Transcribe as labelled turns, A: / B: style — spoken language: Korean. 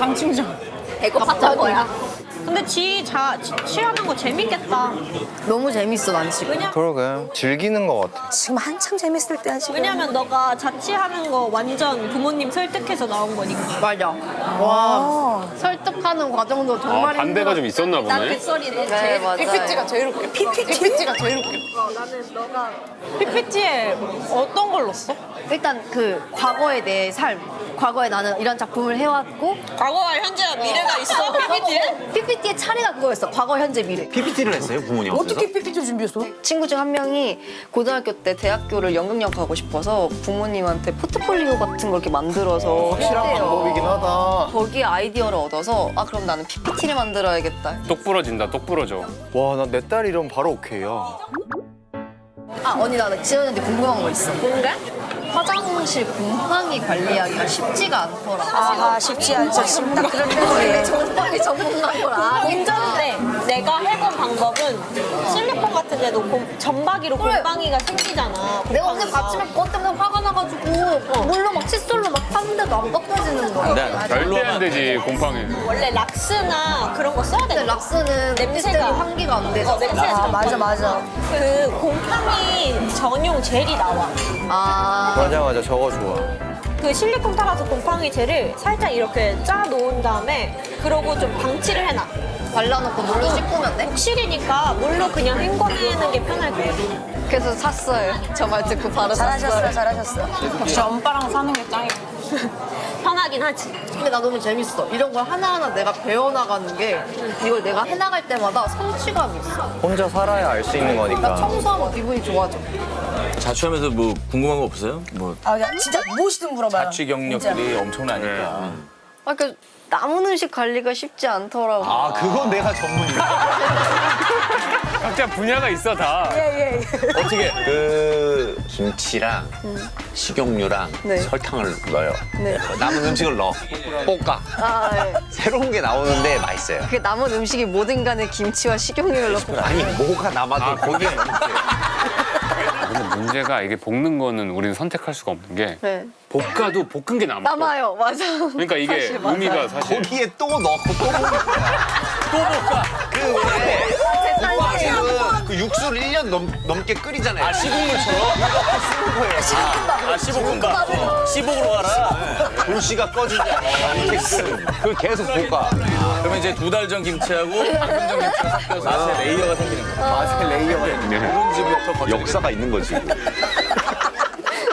A: 당 충전.
B: 배고팠던 거야.
A: 근데 취하는 거 재밌겠다.
B: 너무 재밌어, 난 지금.
C: 그러게 즐기는 것 같아.
D: 지금 한창 재밌을 때야 지금.
A: 왜냐면 너가 자취하는 거 완전 부모님 설득해서 나온 거니까.
B: 맞아. 와, 설득하는 과정도 정말
E: 반대가 좀 있었나
A: 난
E: 보네.
A: 그 소리네.
B: 네, 맞아요.
D: PPT가 제일 웃겨. PPT가 제일 웃겨.
A: 나는 너가
D: PPT에 어떤 걸 넣었어?
B: 일단 그 과거의 내 삶. 과거에 나는 이런 작품을 해왔고
A: 과거와 현재와 미래가 있어 PPT에?
B: PPT의 차례가 그거였어. 과거, 현재, 미래.
F: PPT를 했어요, 부모님 앞에서?
D: 어떻게 PPT 준비했어?
B: 친구 중 한 명이 고등학교 때 대학교를 연극영 가고 싶어서 부모님한테 포트폴리오 같은 걸 이렇게 만들어서
C: 확실한
B: 했대요.
C: 방법이긴 하다.
B: 거기에 아이디어를 얻어서 아 그럼 나는 PPT를 만들어야겠다.
E: 똑 부러진다, 똑 부러져.
C: 와, 나 내 딸 이러면 바로 오케이야.
B: 아 언니 나 지연이한테 궁금한 거 있어. 뭔데? 화장실 곰팡이 관리하기가 쉽지가 않더라.
D: 아 쉽지 않죠. 지금 딱 그런 데서
B: 곰팡이 전문가인 걸 아.
A: 운전대 내가 해본 방법은 실리콘 같은 데 놓고 점박이로
B: 그래.
A: 곰팡이가 생기잖아.
B: 내가 어제
A: 곰팡이가.
B: 아침에 그것 때문에 화가 나가지고 물로 막 칫솔로 막 탔는데도 안 깎아지는 거야.
E: 절대 안 되지, 곰팡이.
A: 원래 락스나 그런 거 써야
B: 근데
A: 돼.
B: 락스는
A: 냄새가.
B: 환기가 안 돼서.
A: 냄새가
D: 맞아.
A: 그 곰팡이 전용 젤이 나와.
B: 아.
C: 맞아, 저거 좋아.
A: 그 실리콘 타가서 곰팡이 젤을 살짝 이렇게 짜 놓은 다음에 그러고 좀 방치를 해놔.
B: 발라놓고 물로 씻으면 돼?
A: 욕실이니까 물로 그냥 헹궈내는 게 편할 거야.
B: 그래서 샀어요. 저 말 듣고 바로
D: 잘하셨어요,
B: 샀어요.
D: 잘하셨어.
A: 역시 엄빠랑 사는 게 짱이야. 편하긴 하지.
B: 근데 나 너무 재밌어. 이런 걸 하나하나 내가 배워나가는 게 이걸 내가 해나갈 때마다 성취감이 있어.
C: 혼자 살아야 알 수 있는
B: 나
C: 거니까.
B: 청소하면 기분이 좋아져.
F: 자취하면서 뭐 궁금한 거 없어요? 뭐
D: 아 그냥 진짜 무엇이든 물어봐요.
F: 자취 경력들이 엄청나니까.
B: 아, 그 남은 음식 관리가 쉽지 않더라고.
F: 아, 그건 내가 전문이야.
E: 각자 분야가 있어, 다.
D: 예.
F: 어떻게? 그 김치랑 식용유랑
B: 네.
F: 설탕을 넣어요.
B: 네.
F: 남은 음식을 넣어. 볶아.
B: 아, 네.
F: 새로운 게 나오는데 맛있어요.
B: 그 남은 음식이 뭐든 간에 김치와 식용유를 넣고.
F: 아니, 뭐가 남아도 거기에 넣는
E: 근데 문제가 이게 볶는 거는 우리는 선택할 수가 없는 게
B: 네.
E: 볶아도 볶은 게 남아.
B: 남아요, 맞아.
E: 그러니까 이게
B: 사실 맞아요.
E: 의미가 사실.
F: 거기에 또 넣고 또 볶는 거야. 또 볶아. 왜? 볶아지는 그 육수를 1년 넘게 끓이잖아요. 아, 시국물처럼? 이렇게 쓰는 거예요.
G: 시볶음밥. 시복으로 가라.
F: 불씨가 꺼지지 않아. 이렇게 그걸 계속 볶아.
G: 그러면 이제 2달 전 김치하고 3년 전 김치가 섞여서 맛의 레이어가 생기는 거야.
F: 맛의 레이어가 있는
E: 네.
G: 묵은지부터
F: 역사가 있는 거지.